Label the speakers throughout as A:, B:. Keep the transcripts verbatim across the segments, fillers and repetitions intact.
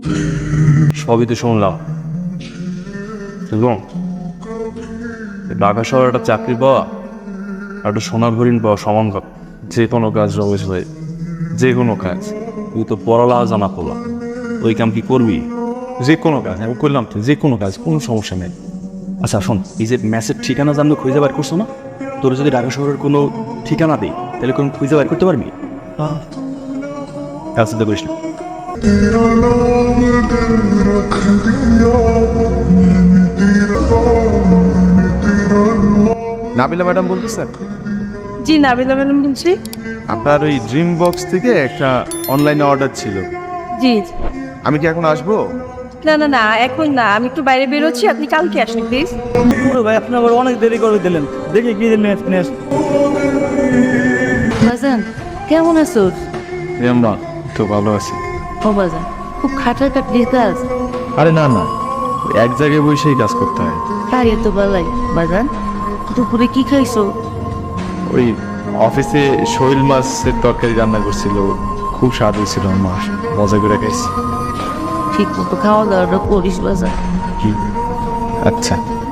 A: সবই তো শুনলাম এবং ঢাকা শহরে একটা চাকরি পাওয়া আর একটা সোনার হরিণ পাওয়া সমান কথা। যে কোনো কাজ রমেশ ভাই, যে কোনো কাজ। তুই তো পড়ালা জানা পড়লাম, ওই কাম কি করবি? যে কোনো কাজ আমি করলাম তো, যে কোনো কাজ, কোনো সমস্যা নেই। আচ্ছা শোন, এই যে ম্যাচের ঠিকানা জানলে খুঁজে বার করছো না, তোর যদি ঢাকা শহরের কোনো ঠিকানা দিই তাহলে কোনো খুঁজে বার করতে পারবি? হ্যাঁ, কাজ চিন্তা করিস না।
B: নাবিলা ম্যাডাম বলতেছেন?
C: জি নাবিলা ম্যাডাম বলছি।
B: আপনার ওই ড্রিম বক্স থেকে একটা অনলাইনে অর্ডার ছিল,
C: জি
B: আমি কি এখন আসবো?
C: না না না এখন না, আমি একটু বাইরে বেরোচ্ছি, আপনি কালকে আসুন প্লিজ।
D: ভাই আপনি আবার অনেক দেরি করে দিলেন, দেখি কি নেক্সট।
E: বাজান কেমন আছো?
B: আমরা তো ভালো আছি।
E: ও বাজান খুব খাটার কাটির কাজ।
B: আরে না না, এক জায়গায় বসেই কাজ করতে হয়।
E: তাই তো বালাই। বাজান দুপুরে কি খাইছো?
B: ওই অফিসে শৈল মাছের তরকারি রান্না করছিল, খুব স্বাদ হয়েছিল, মা মজা করে খাইছি।
E: ঠিক মতো খাওয়া দাওয়াটা করিস বাজান।
B: কি? আচ্ছা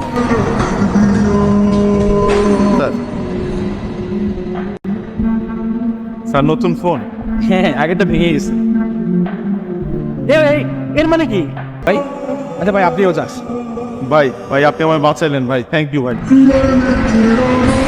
B: স্যার, নতুন ফোন।
D: হ্যাঁ আগেটা ভেঙে গেছে। এ ভাই, এর মানে কি ভাই? আচ্ছা ভাই আপনিও যাস।
B: ভাই ভাই আপনি আমায় বাঁচাইলেন ভাই, থ্যাংক ইউ ভাই।